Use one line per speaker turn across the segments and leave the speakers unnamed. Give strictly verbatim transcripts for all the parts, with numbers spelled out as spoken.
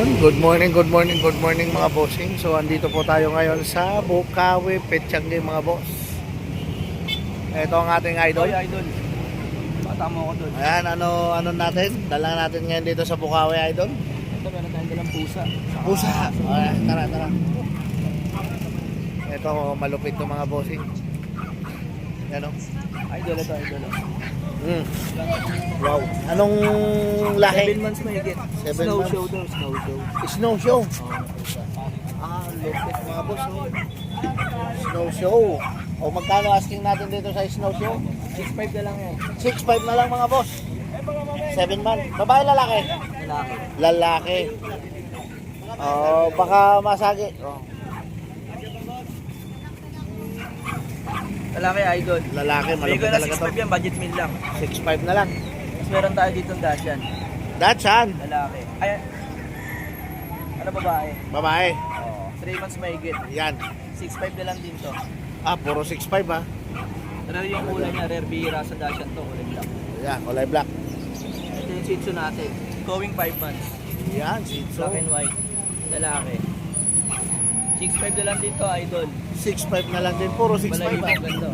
Ayun, good morning, good morning, good morning mga bossing. So andito po tayo ngayon sa Bukawi Petchangi mga boss. Ito ang ating idol.
Oy, idol. Bata mo ako doon.
Ayan, ano ano natin? Dala natin ngayon dito sa Bukawi idol.
Ito, meron tayong dalang pusa.
Pusa. Ayan, tara, tara. Ito malupit 'tong mga bossing. Ano?
Idol ito, idol.
Mm. Wow. Anong lahi?
Seven months mahigit.
Seven
Snow
months.
show daw, snow show.
Snow show.
Oh.
Ah, lupit mga boss. Oh. Snow show. O magkano asking natin dito sa snow show?
six five na lang yan.
six five na lang mga boss. seven months. Babae lalaki?
Lalaki.
Lalaki. Oh, baka masagi. Oh.
Lalaki, idol.
Lalaki,
Bigay
malupit
ko na
talaga
six
to.
five yan, budget meal lang.
six five na lang.
Tapos meron tayo dito ng Dashan.
Dachshund.
Lalaki. Ay, ano babae?
Babae.
Oh, three months mahigit.
Yan.
six five na lang din to.
Ah, puro six five ha.
Rare yung kulay niya, rare bihira sa Dashan to, kulay black.
Yan, kulay black.
Ito yung Shih Tzu natin. Going five months.
Yan, Shih Tzu.
Black and white. Lalaki. six five na lang dito, idol.
six five na lang din. Puro six five
Balay
ha.
mo ganda.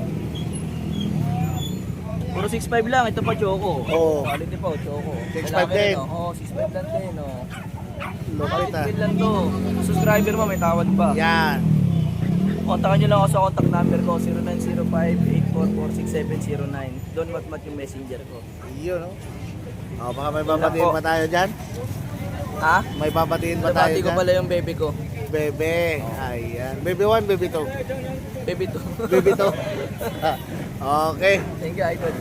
Puro six five lang, ito pa Choco.
Oo.
Quality po, Choco.
six five
Lalaki
din.
rin, oh. Oo, six five lang din, oh.
Lupit ha.
Quality lang to. Subscriber mo, may tawad pa.
Yan.
Kontakan nyo lang ako sa contact number ko, zero nine zero five, eight four four, six seven zero nine. Doon mat-mat yung messenger ko.
Yun, no? Oh, baka may babatiin
po.
pa tayo dyan?
Ha?
May babatiin pa tayo
Nabati ko
dyan?
pala yung baby ko.
Bebe. Ayan. Baby one, baby two.
Baby to.
Baby two. Okay.
Thank you, idol.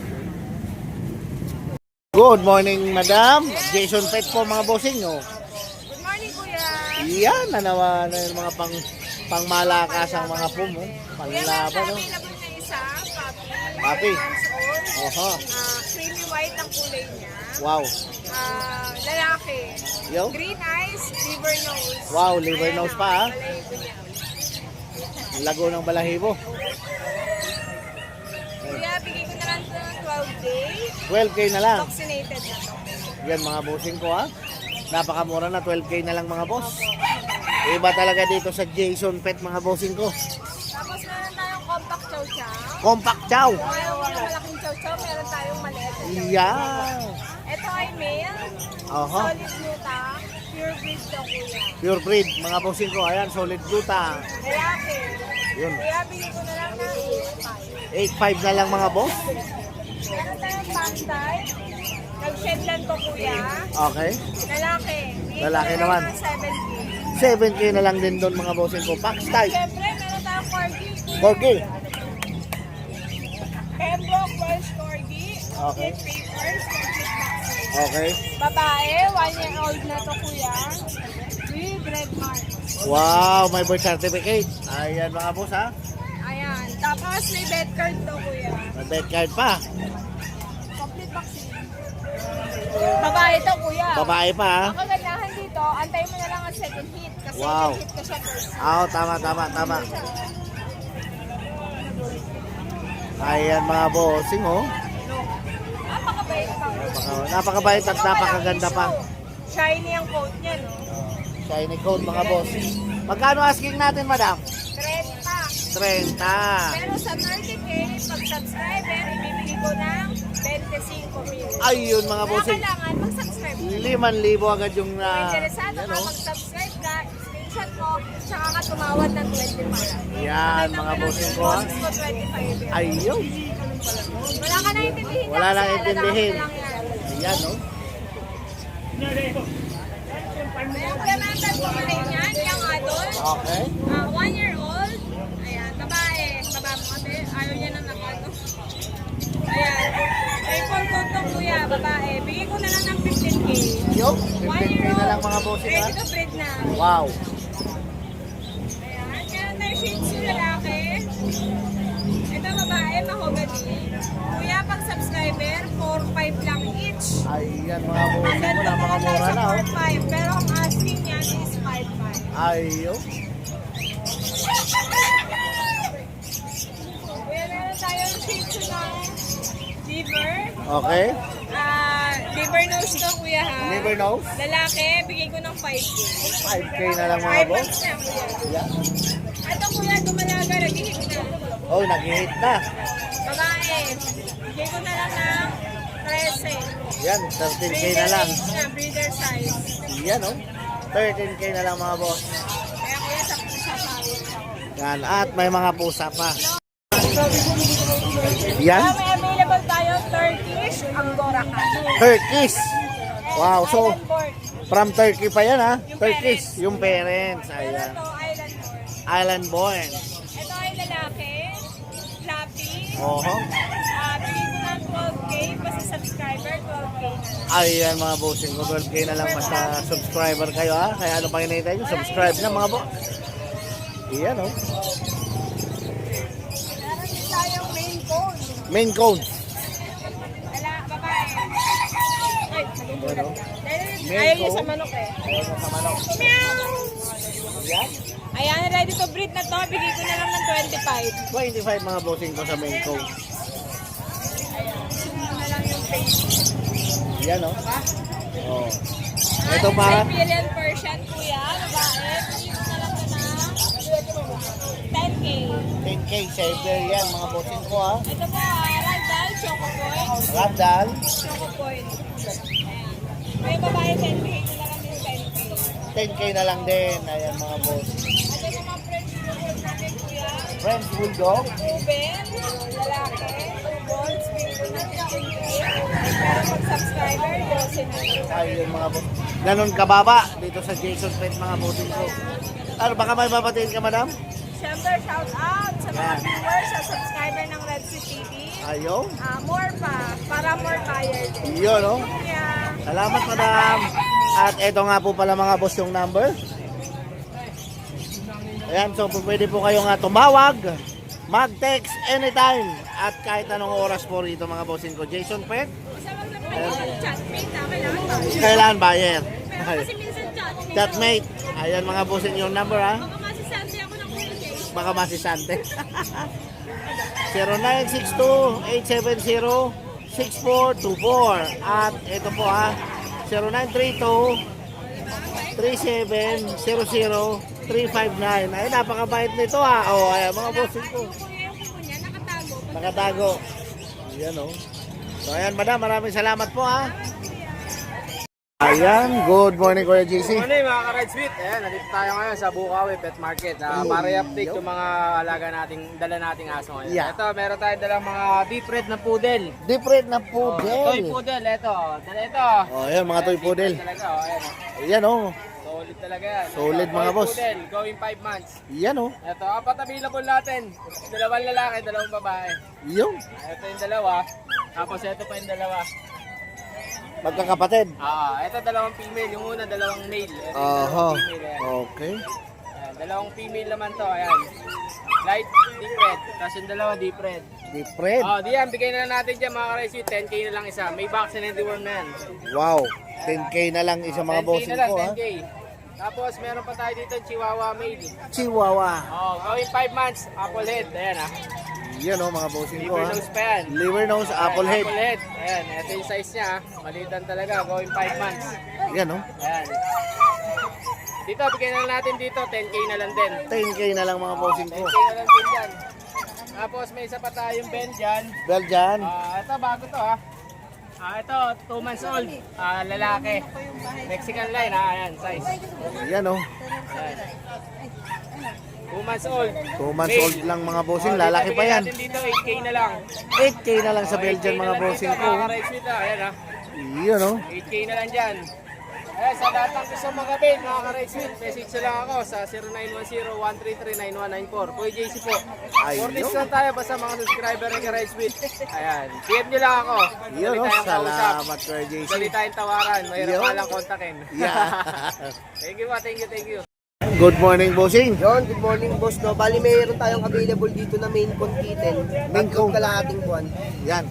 Good morning, madam. Jason Pet po, mga bossing, no?
Good morning, Kuya.
Yan, nanawa na yung mga pang pangmalakas ang mga pum, oh.
Kuya, meron
Panlaban,
tayo
no?
available na isa, puppy.
Puppy.
nine months old.
Oho.
Ah, creamy white ang kulay niya.
Wow.
Ah, lalaki.
Yo.
Green eyes, liver nose.
Wow, liver
Ayan
nose
ang
pa, ah.
balahibo niya.
Lago ng balahibo.
Kuya, bigay ko na lang ito ng twelve days.
twelve K na lang.
Vaccinated na to.
Yan, mga bossing ko, ha? Napakamura na, twelve K na lang, mga boss. Iba talaga dito sa Jason Pet, mga bossing ko.
Tapos meron tayong compact chow chow.
Compact chow.
Meron malaking chow chow, meron tayong maliit na chow chow.
Yan.
Ito ay male.
Oho.
Solid gluta. Pure breed to, kuya.
Pure breed, mga bossing ko. Ayan, solid gluta.
Lalaki.
Yun.
Kaya bigay ko na lang ng
eight five na lang, mga boss.
meron tayong pang type. Nag-shed lang to, kuya.
Okay.
Lalaki. Bigay
Lalaki
ko na
naman.
lang ng seven K.
seven K na lang din doon, mga bossing ko. Pax type.
Siyempre, meron tayong corgi.
four K.
Pembroke Welsh Corgi.
Okay.
With papers. Complete vaccine.
Okay.
Babae, one year old na to, kuya. With red mark.
Wow, may birth certificate. Ayan, mga boss, ha?
Ayan. Tapos may bed card to, kuya.
May bed card pa.
Complete vaccine. Babae to, kuya.
Babae pa, ha?
Ang kagandahan dito, antay mo na lang ang second hit. Kasi
Wow.
second hit ka siya first.
Oo, tama, tama, tama. Ayan, mga bossing, oh.
Napakabait pa.
Napaka- Napakabait at napakaganda pa.
Shiny ang coat niya, no?
Shiny coat, mga boss. Magkano asking natin, madam?
trenta.
thirty.
Pero sa thirty K, pag subscriber, ibibigay ko ng twenty-five mil.
Ayun, mga
Kaya
bossing.
kailangan mag-subscribe.
limang libo agad yung
Kung
na...
interesado
yan,
ka,
oh.
mag-subscribe ka, screenshot mo, tsaka ka tumawad ng twenty-five.
Yan, mga bossing ko, ha?
Boses ko twenty-five. yan.
Ayun.
Wala ka na intindihin.
Wala
kasi
nang
alalaki
intindihin.
lang yan.
Ayan, oh.
Meron ka naman tayo pumarin yan, yung adult.
Okay.
Ah, one year old. Ayan, babae. Baba mo kasi, ayaw niya ng nakano. Ayan. Triple coat to, kuya, babae. Bigay ko na lang ng fifteen K.
Yo,
One
fifteen K
year
na lang,
old.
mga bossing, ha?
Ready to breed na.
Wow.
Ayan, meron tayo Shih Tzu lalaki. Ito babae, mahogany. Kuya, pag subscriber, four five lang each.
Ayan, mga
Ang
bossing ko,
ganda na tayo
napakamura
sa
na,
four
oh.
five, pero ang asking niya is five five.
Ayun.
Kuya, meron tayong Shih Tzu na Liver.
Okay.
Ah, liver nose to, kuya ha.
Liver nose.
Lalaki, bigay ko ng five K.
five K na lang mga
five
boss.
months na, kuya.
Yan.
Ito, kuya, dumalaga, nag-hit na.
Oh, nag-hit na.
Babae, bigay ko na lang ng thirteen.
Yan, thirteen K na lang.
age na, breeder size.
Yan oh. thirteen K na lang mga boss.
Kaya kuya, sa pusa pa.
Yan, at may mga pusa pa. Yan,
Ah, may available tayo, Turkish Angora Cat.
Turkish. Wow, so
Island born.
from Turkey pa yan ha?
Yung
Turkish,
parents.
yung parents.
Pero
Ayan.
to, island born.
Island born.
Ito ay lalaki, fluffy.
Oho.
Ah, bigay ko ng twelve K, basta subscriber, twelve K na.
Ayan mga bossing ko, twelve K na lang basta subscriber kayo ha. Kaya ano pang hinihintay nyo? Subscribe na mga boss. Ayan oh.
Meron din tayong main cone.
Main cone.
Lala, babae. Ay, nagugulat
Ano?
ka. Dahil
Main
ayaw niya
cone?
sa manok eh.
Ayan sa manok.
Meow!
Ayan.
Ayan, ready to breed na to. Bigay ko na lang ng twenty-five.
twenty-five mga bossing ko sa main cone.
Sunod na lang yung face.
Ayan oh.
Diba?
Oh.
Ah,
Ito pa.
Siberian Persian, kuya. Babae. Bigay ko na lang na ten K.
ten K Siberian mga bossing ko ha.
Ito po, ah, Ragdoll, Choco Point.
Ragdoll.
Choco Point. Ayan. May babae, ten K. Ito na lang yung ten K.
ten K na lang din. Ayan mga boss.
Ito naman French Bulldog natin, kuya.
French Bulldog.
Ruben, lalaki. Bulls, bigay ko na fifteen K. Pero pag subscriber, twelve na.
Ayun mga boss. Ganon kababa dito sa Jason Pet mga bossing ko. Ano, baka may babatiin ka madam?
Siyempre, shout out sa mga
Yan.
viewers, sa subscriber ng Red Sea T V.
Ayun.
Ah, more pa, para more buyer din.
Yun oh.
Yeah.
Salamat madam. At eto nga po pala mga boss yung number. Ayan, so pwede po kayo nga tumawag, mag-text anytime at kahit anong oras po rito mga bossing ko. Jason Pet,
Isa wag lang pwede chatmate na, kailangan ba?
kailangan buyer.
Pero kasi minsan chatmate.
Chatmate. Ayan mga bossing yung number ha.
Baka masisante ako ng kuya Jay.
Baka masisante. zero nine six two, eight seven zero, six four two four. At ito po ha, zero nine three two, three seven zero zero, three five nine. Ay, napakabait nito ha. O, ayan mga bossing ko.
Yung kuya yung kuko niya, nakatago.
Nakatago. Ayan o. So ayan madam, maraming salamat po ha. Ayan, good morning Kuya J C.
Good morning mga ka-Ride Sweet. Ayan, nandito tayo ngayon sa Bukawi Pet Market. Uh, para i-update yung mga alaga nating, dala nating aso ngayon.
Yeah.
Ito, meron tayo dalang mga deep red na poodle.
Different na
Oh,
poodle.
toy poodle, ito. Dala ito.
Oh, ayan mga toy
Deep
poodle.
red talaga, oh, ayan, oh.
Ayan o.
Solid talaga yan.
Solid,
Ito,
mga
toy
boss.
Poodle, going five months.
Ayan o.
Ito, apat available natin. Dalawang lalaki, dalawang babae.
Yung
Ito yung dalawa. Tapos ito pa yung dalawa.
magkakapatid.
Ah, ito dalawang female. Yung una, dalawang male. Ito yung
Aha.
dalawang female. Ayan.
Okay.
Ayan, dalawang female naman to. Ayan. Light deep red. Tapos yung dalawa deep red.
Different.
Oh, diyan, bigay na lang natin dyan mga ka-Ride ten K na lang isa. May vaccine and deworm na yan.
Wow. ten K na lang isa mga
ten K
bossing
na lang,
ko ha.
ten K. Tapos meron pa tayo dito Chihuahua male.
Chihuahua.
Oh, going five months, apple head. Ayan ah.
Yan o mga bossing ko
Liver
ha.
nose pa yan.
Liver nose, apple
Ayan,
head.
Apple head. Ayan, ito yung size niya. ah. Malitan talaga, going five months.
Yan o.
Ayan. Dito, bigay na lang natin dito, ten K na lang din.
ten K na lang mga bossing
ten
ko.
K na lang din dyan. Tapos may isa pa tayong Ben dyan.
Belgian.
Ah, ito bago to ha. Ah, ito two months old. Ah, lalaki. Mexican line ha, ayan, size.
Yan o.
Ayan. two months old.
two months
Male.
old lang mga bossing.
Oh,
Lalaki
dito,
pa
bigyan
yan.
natin dito eight K na lang.
eight K na lang sa
Oh, eight K
Belgian
na
mga
lang
bossing
dito,
ko.
mga ka-Ride Sweet, ah. Ayan ha.
Yan o.
eight K na lang dyan. Eh, sa lahat ng gusto mag-avail, mga ka-Ride Sweet, message nyo lang ako sa zero nine one zero, one three three, nine one nine four. Kuya J C po.
Ayun.
four days lang tayo basta mga subscriber ng ka-Ride Sweet. Ayan. P M nyo lang ako.
Yan o.
Dali tayong kausap.
Salamat Kuya J C.
Dali tayong tawaran. Mahirap
Yo.
pa lang kontakin.
Yeah.
Thank you po, thank you, thank you.
Good morning bossing.
Yon, good morning boss no. Bali mayroon tayong available dito na main con kitten.
Main con.
Tatlong kalahating buwan.
Yan.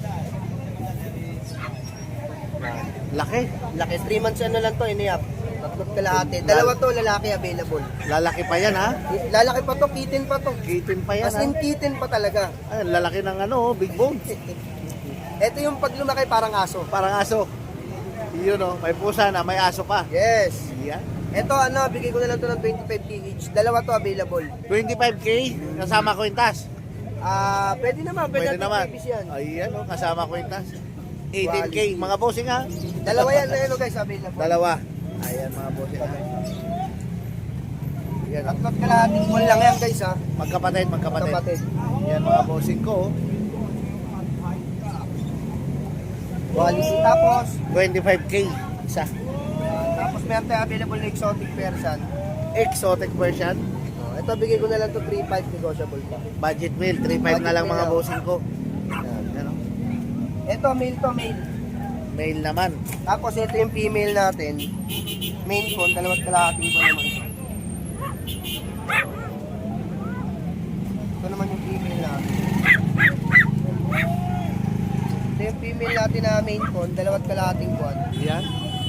Laki.
Laki, three months ano lang to, iniyap. Tatlong kalahati. Dalawa to, lalaki available.
Lalaki pa yan ha.
Lalaki pa to, kitten pa to.
Kitten pa yan
As
ha.
in kitten pa talaga.
Ay, lalaki ng ano, big bones.
Ito yung pag lumaki parang aso.
Parang aso. Yun oh, may pusa na, may aso pa.
Yes.
Yan.
Ito ano, bigay ko na lang to ng twenty-five K each. Dalawa to available.
twenty-five K, kasama kwintas.
Ah, pwede naman, pwede,
Pwede naman.
naman. Yan.
Ayan oh, kasama kwintas. eighteen K, mga bossing ha.
Dalawa yan, ayun guys, available.
Dalawa. Ayan mga bossing ha. Yan
At magkalahating buwan lang yan guys ha.
magkapatid, magkapatid.
Kapatid.
Yan mga bossing ko. oh.
Quality. Tapos,
twenty-five K isa.
tapos meron tayo available na exotic person.
Exotic version.
Oh, ito bigay ko na lang to three five negotiable pa.
Budget meal, three five na lang mga bossing ko.
Yan.
Yan oh.
Ito male to male.
Male naman.
Tapos ito yung female natin. Main con, dalawat kalahating ko naman ito. Ito naman yung female natin. Ito yung female natin na main con, dalawat kalahating buwan.
Yan.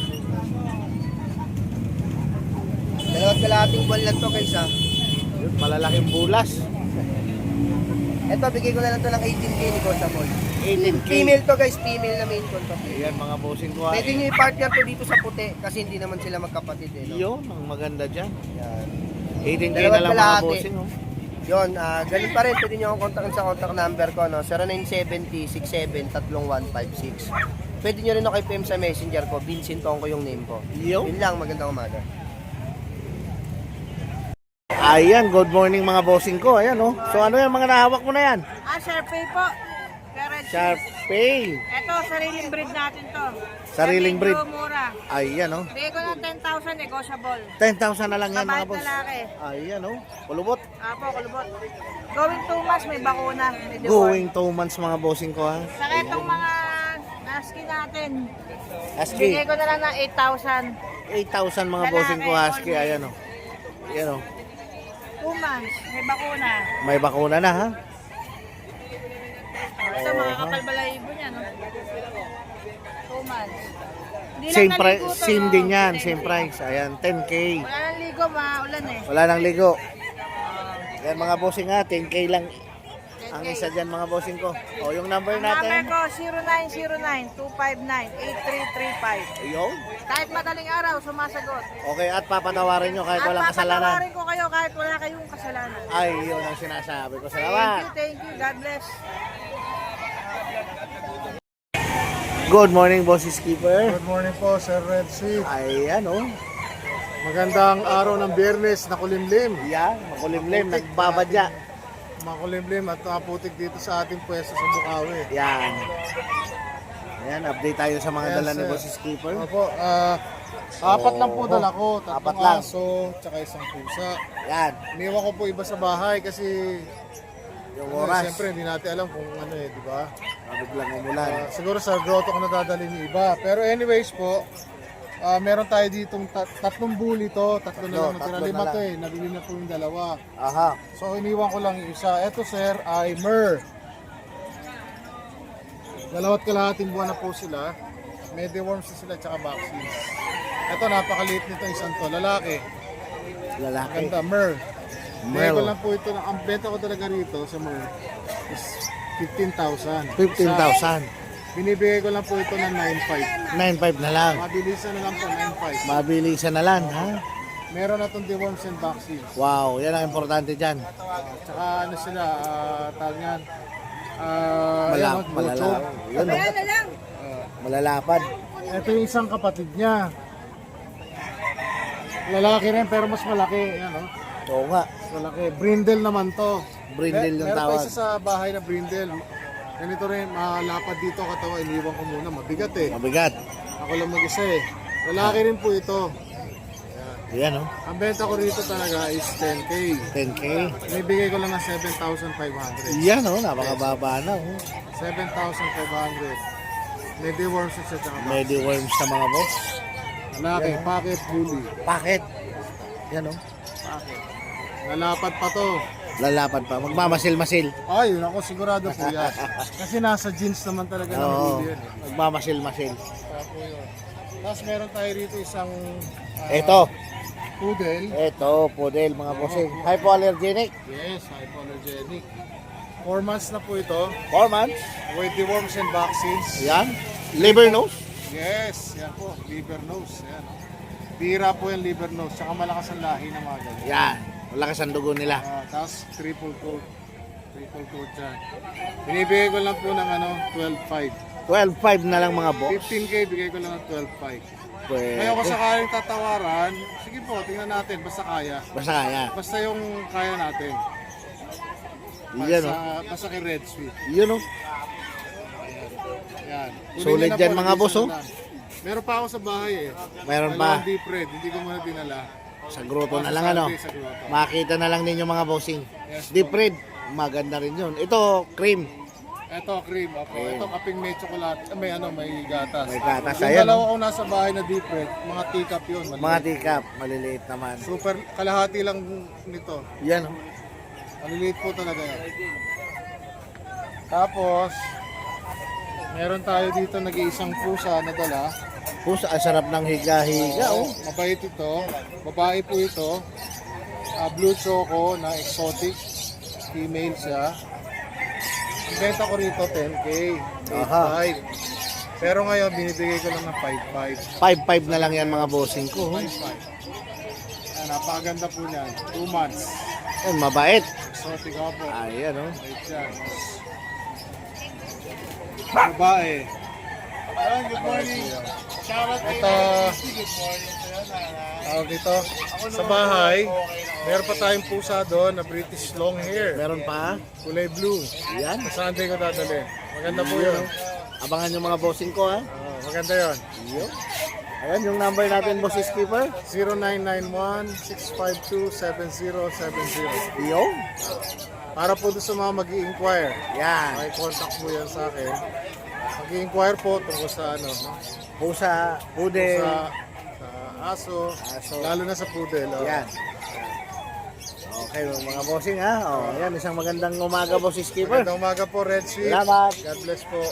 Dalawat kalahating buwan lang to guys ha.
Yun, malalaking bulas.
Ito bigay ko na lang to ng eighteen K negotiable.
eighteen K.
Female to guys, female na main con to.
Ayan mga bossing ko ha.
Pwede nyo i-partner to dito sa puti kasi hindi naman sila magkapatid eh. No?
Yun, ang maganda dyan.
Yan.
eighteen K
Dalawat
na lang mga
kalahati.
bossing oh.
Yun, ah ganun pa rin. Pwede nyo akong kontakin sa contact number ko, no? zero nine seven zero six seven three one five six. Pwede nyo rin ako i-P M sa messenger ko. Vincent Tong ko yung name ko.
Yo.
Yun lang, magandang umaga.
Ayan, good morning mga bossing ko. Ayan oh. So ano yan, mga nahawak mo na yan?
Ah, Sharpay po. Garage.
Sharp Pay.
Ito, sariling breed natin to.
Sariling breed.
Medyo mura.
Ayan oh.
Bigay ko ng ten thousand negotiable.
ten thousand na lang yan mga
Mabait
boss.
lalaki.
Ayan oh. Kulubot.
Apo, kulubot. Going two months, may bakuna. May deworm.
Going two months mga bossing ko ha.
Saka itong mga husky natin.
Husky.
Bigay ko na lang ng eight thousand.
eight thousand mga
Lalaki,
bossing ko husky.
all
Ayan oh. Ayan oh.
two months, may bakuna.
May bakuna na ha.
Ito, mga kapal balahibo niya, no? two months. Hindi lang
Same
naligo
price,
to,
same
no?
din yan,
ten K.
same price. Ayan, ten K.
Wala nang ligo, maulan eh.
Wala nang ligo. Yan mga bossing ha, ten K lang ang
ten K.
isa dyan mga bossing ko. O yung number
Ang number
natin.
ko, zero nine zero nine two five nine eight three three five.
Ayun.
Kahit madaling araw, sumasagot.
Okay, at papatawarin nyo kahit
At
walang kasalanan.
papatawarin ko kayo kahit wala kayong kasalanan.
Ay, yun ang sinasabi ko.
Thank
Salamat.
you, thank you. God bless.
Good morning, boss skipper.
Good morning po, Sir Red Sea.
Ayan oh.
Magandang araw ng Biyernes na kulimlim.
Yan, makulimlim, nagbabadya.
Makulimlim at nakaputik dito sa ating pwesto sa Bukawi.
Yan. Ayan, update tayo sa mga
Yes,
dala ni
sir.
boss skipper.
Opo, ah, apat lang po
Oo.
dala ko.
Apat
Tatlong
lang.
aso, tsaka isang pusa.
Yan,
Iniwan ko po iba sa bahay kasi
yung
ano,
oras.
siyempre hindi natin alam kung ano eh, di ba?
Mabiglang umulan.
Ah, siguro sa grotto ko nadadali ni iba. Pero anyways po, ah, meron tayo ditong tat- tatlong bully to. Tatlo na
Tatlo,
lang. Natira
tatlo
lima
na
to
lang.
eh. Nabili na po yung dalawa.
Aha.
So iniwan ko lang yung isa. Ito sir ay Mer. Dalawat kalahating buwan na po sila. May deworms na sila tsaka vaccines. Ito napakaliit nito isang to. Lalaki.
Lalaki.
Ganda Mer. Bigay
Mer.
ko lang po ito. Ang benta ko talaga rito sa Mer is fifteen thousand.
fifteen thousand.
Binibigay ko lang po ito ng nine five.
nine five na lang.
Mabilisan na lang po nine five.
Mabilisan na lang, ha?
Meron na itong deworms and vaccines.
Wow, yan ang importante dyan.
Uh, tsaka ano sila, uh, tawag yan. Uh,
Malap,
ayan,
malala,
bocho.
yun, oh.
na lang.
Malalapad.
Ito yung isang kapatid niya. Lalaki rin pero mas malaki. Yan, oh.
Oo nga,
Mas malaki. Brindle naman to.
Brindle yung
Meron pa
tawag.
isa sa bahay na brindle. Ganito rin, malapad dito katawa. Iniwan ko muna. Mabigat eh.
Mabigat.
Ako lang mag-isa eh. Lalaki rin po ito.
Yan, oh.
Ang benta ko rito talaga is ten K.
ten K.
Ibibigay ko lang ng seven thousand five hundred.
Yan, oh. Napakababa na, oh.
seven thousand five hundred. May deworms at saka
Medi worms na mga boss.
lalaki, pocket bully.
Paket. Yan, oh.
Lalapad pa to.
Lalapad pa. Magmamasil-masil.
Ay, yun ako sigurado po yan. Kasi nasa jeans naman talaga ng
Oo.
bully yan. eh.
Magmamasil-masil.
Kaya po yun. Tapos meron tayo rito isang ah,
Ito.
poodle.
Ito, poodle, mga bossing. Hypoallergenic.
Yes, hypoallergenic. four months na po ito.
four months.
With deworms and vaccines.
Yan. Liver nose.
Yes, yan po. Liver nose. Yan. oh. Bira po yung liver nose. Tsaka malakas ang lahi ng mga ganyan.
Yan. Malakas ang dugo nila.
Ah, tapos triple coat. Triple coat yan. Binibigay ko lang po ng ano, twelve five.
twelve five na lang mga boss.
fifteen K bigay ko lang ng twelve five.
Pwede.
Ngayon kung sakaling tatawaran, sige po, tingnan natin. Basta kaya.
Basta kaya.
Basta yung kaya natin.
Yan
Basta,
oh.
basta kay Red Sweet.
Yun oh.
Yan. Kunin
Solid
niyo na
yan,
po,
mga
hindi
boss,
siya
oh.
na- Meron pa ako sa bahay eh.
Mayroon
Dalawang
pa.
deep red, hindi ko muna dinala.
Sa grotto na
Sa
lang ano.
Sunday sa grotto.
Makita na lang ninyo mga bossing.
Yes,
Deep red. Maganda rin yun. Ito, cream.
Ito, cream. Okay. Ito, kaping may chocolate. ah, May ano, may gatas.
May gatas,
Yung
ayan,
dalawa ko nasa bahay na deep red, mga teacup yun.
Mga
maliliit.
tikap. Maliliit naman.
Super, kalahati lang nito.
Yan oh.
Maliliit po talaga yan. Tapos, meron tayo dito nag-iisang pusa na dala.
Pusa, ang sarap ng higa-higa oh.
Mabait ito. Babae po ito. Ah, blue choco na exotic. Female siya. Ang benta ko rito ten K.
Aha.
five. Pero ngayon binibigay ko lang ng five five.
five five na lang yan mga bossing ko. oh.
five five. Ayan, napakaganda po niyan. two months.
Ay, mabait.
Exotic ako po.
Ayan oh.
Wait yan. Babae. Ayan, good morning. Ito, tawag dito, sa bahay, meron pa tayong pusa doon na British long hair.
Meron pa.
Kulay blue.
Yan.
Sa Sunday ko dadali. Maganda po yun.
Abangan yung mga bossing ko ha.
Ah, maganda yun.
Yun. Ayan yung number natin, boss skipper.
zero nine nine one, six five two, seven zero seven zero.
Yun.
Para po doon sa mga mag-i-inquire.
Yan.
May contact po yan sa akin. Mag-i-inquire po tungkol sa ano, no?
Pusa, pudel.
Sa, sa aso,
Aso.
lalo na sa poodle. oh.
Yan. Okay, mga bossing ha. Oh, yan, isang magandang umaga, boss skipper.
Magandang umaga po, Red Sweet.
Salamat.
God bless po.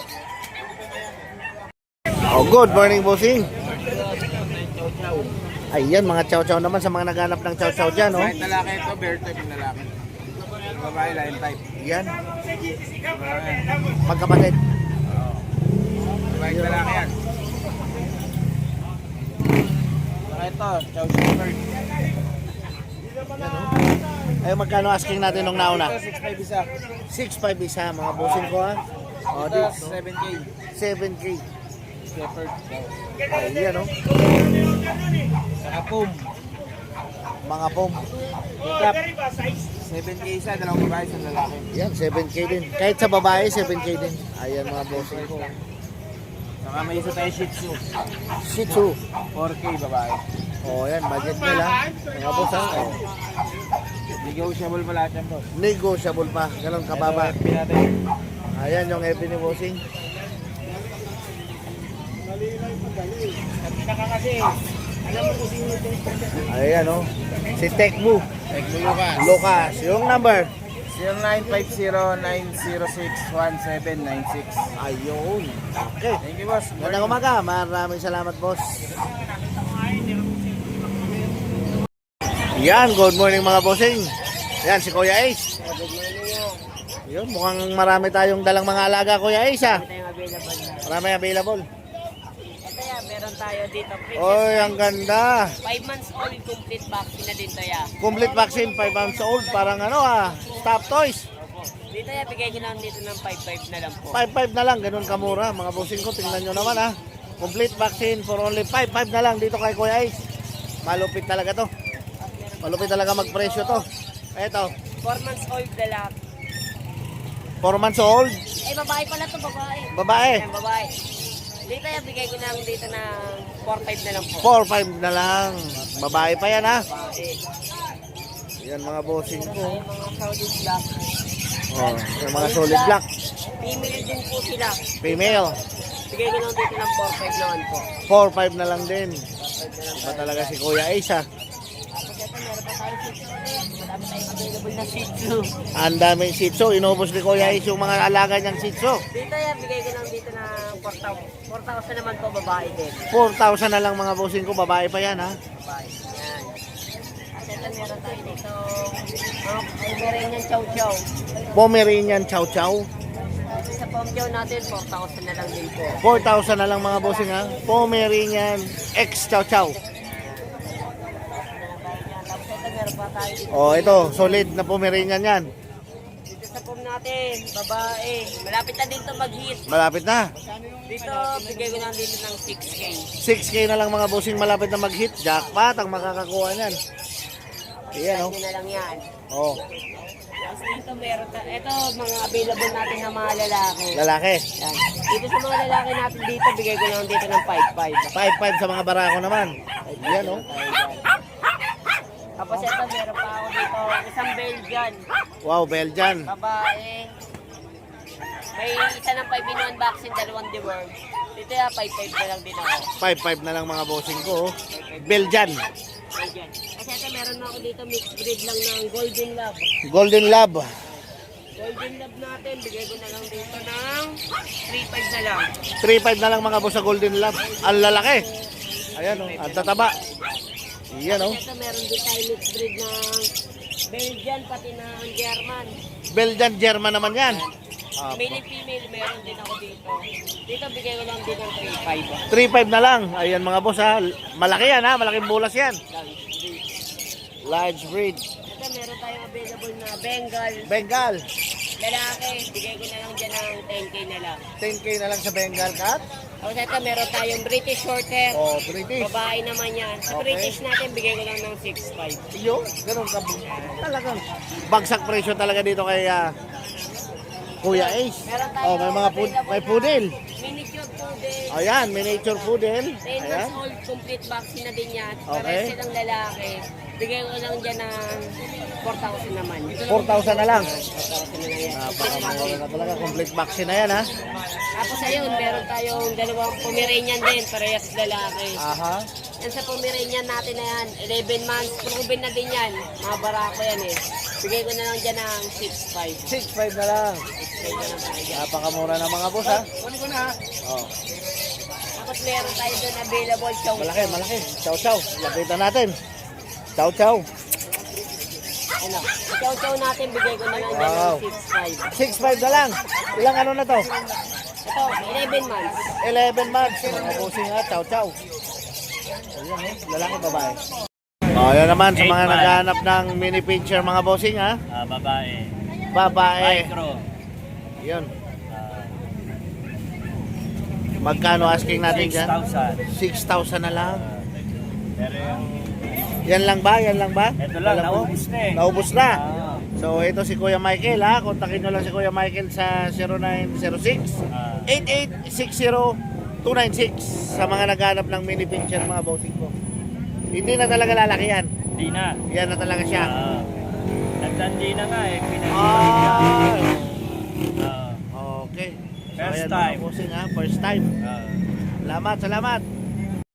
Oh, good morning, bossing. Ayan, mga chow-chow naman sa mga naghanap ng chow-chow dyan, oh.
Kahit lalaki ito, bear type yung lalaki. Babae, lion type.
Yan. Magkapatid.
Babae, lalaki yan. Saka ito, chow shepherd.
Ay, magkano asking natin nung nauna?
Ito, six five isa.
six five isa, mga bossing ko, ha. Oh,
Ito,
dito.
seven K.
seven K.
Shepherd.
Ayan, oh.
Saka pum.
Mga pom.
Pickup. seven K isa, dalawang babae, isang lalaki.
Yan, seven K din. Kahit sa babae, seven K din. Ayan, mga bossing ko.
Saka may isa tayo Shih Tzu.
Shih Tzu.
four K babae.
Oh, yan, budget nila. Mga boss, ha. Oh.
Negotiable pa lahat yan, boss.
Negotiable pa. Ganun kababa.
Ito, F B natin.
Ayan, yung F B ni bossing.
Saka kasi, alam mo kung sino ito.
Ayan, oh. Si Tekbu.
Tekmo Lucas.
Lucas. Yung number.
zero nine five zero nine zero six one seven nine six.
Ayun. Okay.
Thank you, boss.
Magandang umaga. Maraming salamat, boss. Yan, good morning mga bossing. Yan, si Kuya Ace. Yun, mukhang marami tayong dalang mga alaga, Kuya Ace, ha? Marami available.
Ito yan, meron tayo dito.
Oy, ang ganda.
five months old, complete vaccine na din to ya.
Complete vaccine, five months old. Parang ano, ah, stop toys.
Dito ya, bigay ko lang dito ng five five na lang po.
five five na lang, ganun kamura. Mga bossing ko, tingnan nyo naman, ha? Complete vaccine for only five five na lang dito kay Kuya Ace. Malupit talaga to. Malupit talaga magpresyo to. Eto,
four months old lalaki.
four months old.
Eh, babae pala to, babae.
Babae.
Ayan, babae. Dito ya, bigay ko lang dito ng four five na lang po.
four five na lang. Babae pa yan, ha?
Babae.
Yan mga bossing ko.
Ay, mga Saudi black.
Oh, yung mga solid black.
Female din po sila.
Female.
Bigay ko lang dito ng four five naman po.
four five na lang din.
four five na lang po.
Iba talaga si Kuya Ace, ha?
Tapos ito, meron pa tayo Shih Tzu ulit. Madami tayong available na Shih Tzu.
Ang daming Shih Tzu. Inubos ni Kuya Ace yung mga alaga niyang Shih Tzu.
Dito ya, bigay ko lang dito ng four thousand. four thousand naman po, babae din.
four thousand na lang mga bossing ko. Babae pa yan, ha?
Babae. Yan. At ito meron tayo dito, mga Pomeranian Chow Chow.
Pomeranian Chow Chow.
Sa Pom Chow natin, four thousand na lang din po.
four thousand na lang mga bossing ha. Pomeranian X Chow Chow.
Tapos ito meron pa tayo dito.
Oh, ito, solid na Pomeranian yan.
Dito sa Pom natin, babae. Malapit na dito mag-hit.
Malapit na.
Dito, bigay ko lang dito ng six K.
six K na lang mga bossing, malapit na mag-hit. Jackpot ang makakakuha niyan. Ayan oh.
Hindi na lang yan.
Oh,
Tapos dito meron ta ito mga available natin na mga lalaki.
lalaki.
Yan. Dito sa mga lalaki natin dito, bigay ko lang dito ng five five.
five five sa mga barako naman. Ayan oh.
Tapos ito meron pa ako dito, isang Belgian,
Wow, Belgian.
babae. May isa ng five in one vaccine, dalawang deworm. Dito ya, five five na lang din ako.
five five na lang mga bossing ko. Oh. Belgian.
Belgian. Kasi ito meron na ako dito, mixed breed lang ng Golden Lab.
Golden Lab.
Golden Lab natin, bigay ko na lang dito ng three five na lang.
three five na lang mga boss sa Golden Lab. Ang lalaki. Ayan oh, ang tataba. Ayan oh.
Ito meron din tayo mixed breed ng Belgian, pati na ang German.
Belgian German naman yan. Ah,
Male and female, meron din ako dito. Dito, bigay ko lang din ng three five.
three five na lang. Ayan mga boss ha. Malaki yan ha. Malaking bulas yan. Large breed.
Ito, meron tayong available na Bengal.
Bengal.
Lalaki, bigay ko na lang dyan ng ten K na lang.
ten K na lang sa Bengal cat.
Tapos ito, meron tayong British Shorthair.
Oh, British.
Babae naman yan. Sa
Okay.
British natin, bigay ko lang ng six five.
Yo, ganun ka. Talagang bagsak presyo talaga dito kay ah, Kuya Ace.
Meron tayo
Oh, may mga pud
available
may
na
poodle.
Miniature poodle.
Ayan, miniature poodle.
ten
Ayan.
months old, complete vaccine na din yan.
Okay.
Parehas silang lalaki. Bigay ko lang dyan ng four thousand naman.
four thousand na lang.
four thousand na lang yan.
Napakamura na talaga. Complete vaccine na yan ha.
Tapos ayun, meron tayong dalawang Pomeranian din, parehas lalaki.
Aha.
Yan sa Pomeranian natin na yan, eleven months, proven na din yan. Mga barako yan eh. Bigay ko na lang dyan ng six five.
six five na lang.
Bigay ko lang tayo dyan.
Napakamura na mga boss ha. Oh.
Tapos meron tayo doon available chow.
Malaki, malaki. Chow chow. Lapitan natin. Chow chow.
Ano, chow chow natin, bigay ko na lang dyan
Wow.
ng six five.
six five na lang. Ilang ano na to?
Ito, eleven months.
eleven months. Mga bossing ha. Chow chow. Ayan eh. Lalaki babae. Oh, yan naman sa mga naghahanap ng mini pincher mga bossing ha.
Ah, babae.
Babae.
Micro.
Yun. Magkano asking natin
six
dyan?
thousand.
six thousand na lang.
Pero yung,
Yan lang ba? Yan lang ba?
ito lang,
Walang-
naubos na eh.
Naubos na.
Ah,
So ito si Kuya Michael ha. Kontakin nyo lang si Kuya Michael sa zero nine zero six
ah.
eight eight six zero two nine six sa mga naghanap ng mini pincher mga bossing ko. Hindi na talaga lalaki yan.
Di na.
Yan na talaga siya.
Ah. Nagtandi na nga eh. Pinag-
Ah,
Ah.
okay. So,
First
ayan,
time.
mga bossing ha. First time.
Ah.
Salamat, salamat.